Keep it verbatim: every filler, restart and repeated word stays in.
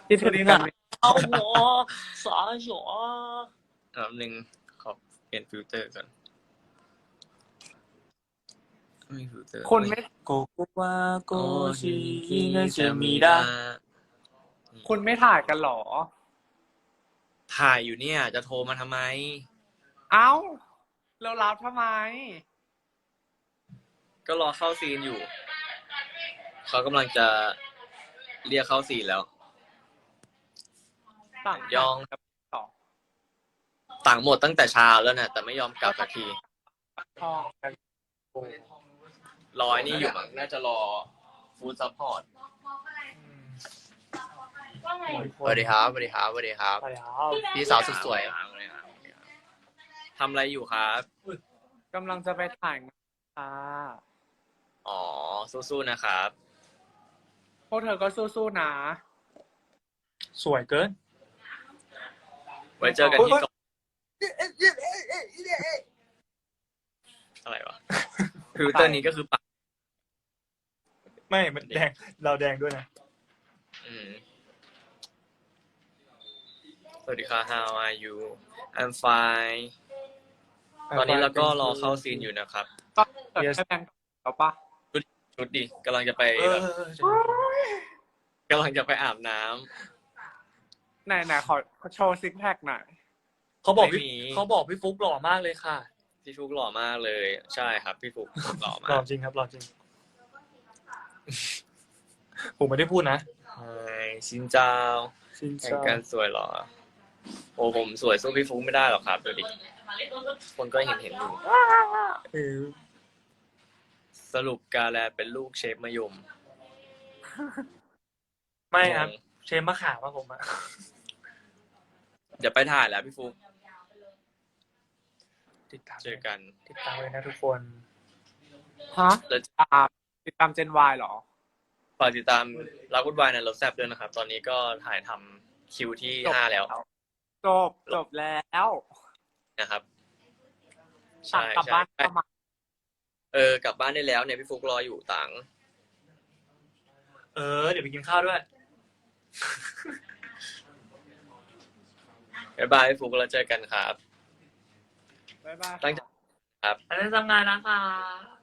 คิดถึงกันเอาหัวสาหัวแป๊บนึงขอเปลี่ยนฟิลเตอร์ก่อนไม่มีฟิลเตอร์คนไม่โกโกวาโกโอ้ชิชิเนจะจะมีมีดาดาคุณไม่ถ่ายกันหรอถ่ายอยู่เนี่ยจะโทรมาทำไมเอ้าเรารับทำไมก็รอเข้าซีนอยู่ เขากำลังจะเรียกเข้าซีนแล้วต่างยองต่อต่างหมดตั้งแต่เช้าแล้วนะแต่ไม่ยอมกลับสักทีทองกันรอไอ้นี่อยู่มั้งน่าจะรอฟู้ดซัพพอร์ตสวัสดีครับสวัสดีครับสวัสดีครับไปแล้วพี่สาวสุดสวยทำอะไรอยู่ครับกำลังจะไปถ่ายงานค่ะอ๋อสู้ๆนะครับพวกเธอก็สู้ๆนะสวยเกินไว้เจอกันที่กองอะไรวะฟิลเตอร์นี้ก็คือปักไม่มันแดงเราแดงด้วยนะอืมสวัสดีค่ะ how are you I'm fine ตอนนี้เราก็รอเข้าซีนอยู่นะครับก็เกิดแค่แบงค์เอาปะชุดดิกำลังจะไปเออแบบกำลังจะไปอาบน้ำไหนไหนขอโชว์ซิกแพคหน่อยเขาบอกไม่พี่มีเขาบอกพี่ฟุกหล่อมากเลยค่ะพี่ฟุกหล่อมากเลย ใช่ครับ พี่ฟุกหล่อมาหล่อก จริงครับหล่อจริง ผมไม่ได้พูดนะใช่ชินเจ้าจริงแข่งกันสวยเหรอ โอ้ผมสวยสู้พี่ฟุกไม่ได้หรอกครับดูดิคนก็เห็นเห็นอยู่เออสรุปกาแลเป็นลูกเชฟมะยมไม่ครับ เชฟมะขามว่าผมอะเดี๋ยวไปถ่ายแล้วพี่ฟุกติดตามเจอกันติดตามเลยนะทุกคนฮะแล้วอ่าติดตามเจนวายเหรอฝากติดตามรักวุ่นวายในรถแซบด้วยนะครับ ตอนนี้ก็ถ่ายทำคิวที่จบห้าแล้วจบจบแล้วนะครับต่าใช่งกลับใช่บ้านประมาณเออกลับบ้านได้แล้วเนี่ยพี่ฟุกรออยู่ต่างเออ เดี๋ยวไปกินข้าวด้วยบ๊ายบายพี่ฟุกแล้วเจอกันครับบ๊ายบายตั้งใจครับอันนี้ทำงานนะคะ